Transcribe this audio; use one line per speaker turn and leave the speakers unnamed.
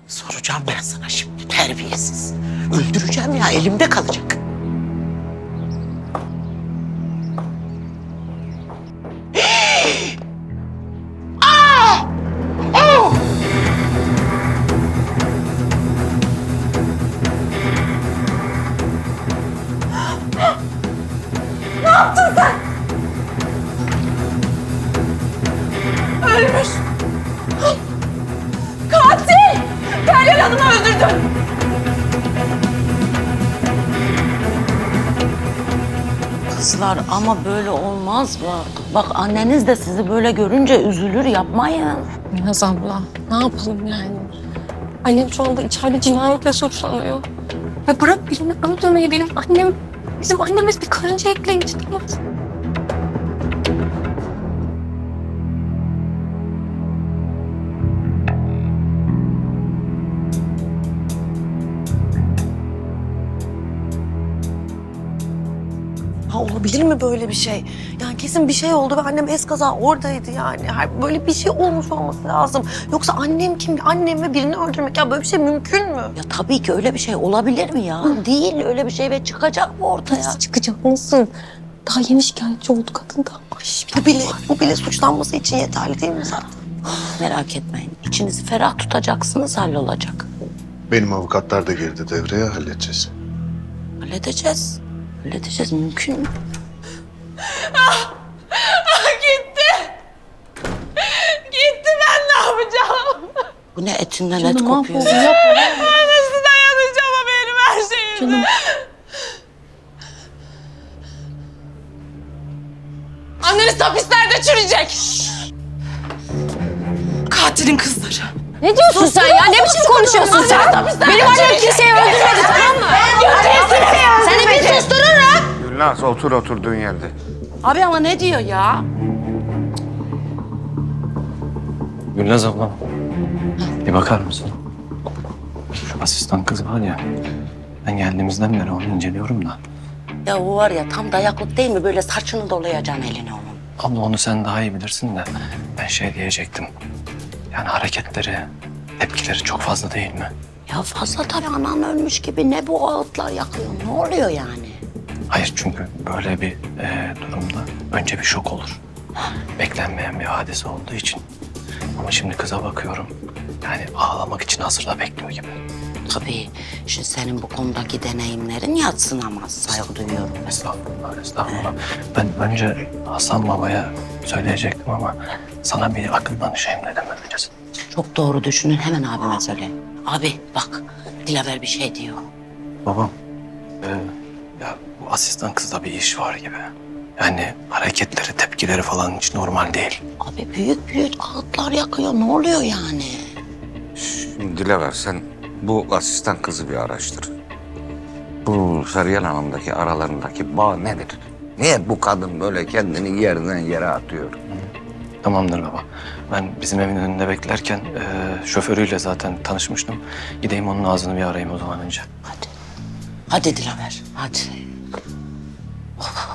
Soracağım ben sana şimdi, terbiyesiz. Öldüreceğim ya, elimde kalacak.
Ölmüş. Katil! Feryal Hanım'ı öldürdü.
Kızlar ama böyle olmaz bak. Bak anneniz de sizi böyle görünce üzülür, yapmayın.
Naz abla, ne yapalım yani? Annem şu anda içeride cinayetle suçlanıyor. Ve bırak birini öldürmeyi, bizim annemiz bir karınca ekleyici değil mi?
Ha, olabilir mi böyle bir şey? Yani kesin bir şey oldu ve annem eskaza oradaydı yani. Böyle bir şey olmuş olması lazım. Yoksa annem kim? Annem ve birini öldürmek, ya böyle bir şey mümkün mü?
Ya tabii ki öyle bir şey olabilir mi ya? Değil öyle bir şey ve çıkacak mı ortaya?
Nasıl çıkacak, nasıl? Daha yeni şikayetçi oldu kadın da.
Bu bile suçlanması için yeterli değil mi zaten?
Merak etmeyin. İçinizi ferah tutacaksınız, hallolacak.
Benim avukatlar da girdi devreye, halledeceğiz.
Halledeceğiz. Halledeceğiz, mümkün mü?
Gitti. Gitti, ben ne yapacağım?
Bu ne etinden et kopuyor.
Nasıl dayanacağım o benim her şeyime? Canım. Anneniz hapislerde çürüyecek. Katilin kızları. Ne diyorsun sen ya? Ne biçim konuşuyorsun sen? Benim annem kimseyi öldürmedi, tamam mı?
Seni bir sustururum.
Gülnaz otur oturduğun yerde.
Abi ama ne diyor ya?
Gülnaz ablam, bir bakar mısın? Şu asistan kız var ya, ben geldiğimizden beri onu inceliyorum da.
Ya o var ya tam dayaklık değil mi? Böyle saçını dolayacaksın eline onun.
Abla onu sen daha iyi bilirsin de ben şey diyecektim. Yani hareketleri, tepkileri çok fazla değil mi?
Ya fazla tabii, anan ölmüş gibi ne bu ağıtlar yakıyor? Ne oluyor yani?
Hayır çünkü böyle bir durumda önce bir şok olur. Beklenmeyen bir hadise olduğu için. Ama şimdi kıza bakıyorum. Yani ağlamak için hazırda bekliyor gibi.
Tabii şimdi senin bu konudaki deneyimlerin yadsınamaz, saygı duyuyorum.
Estağfurullah, estağfurullah. Ben önce Hasan Baba'ya söyleyecektim ama sana bir akıl danışayım dedim öncesi.
Çok doğru düşünün, hemen abime söyle. Abi bak, Dilaver bir şey diyor.
Babam, ya bu asistan kızda bir iş var gibi. Yani hareketleri, tepkileri falan hiç normal değil.
Abi büyük büyük ağıtlar yakıyor, ne oluyor yani?
Şimdi Dilaver sen bu asistan kızı bir araştır. Bu Feryal Hanım'daki aralarındaki bağ nedir? Niye bu kadın böyle kendini yerden yere atıyor?
Tamamdır baba. Ben bizim evin önünde beklerken şoförüyle zaten tanışmıştım. Gideyim onun ağzını bir arayayım o zaman önce.
Hadi. Hadi Dilaver, hadi. Oh.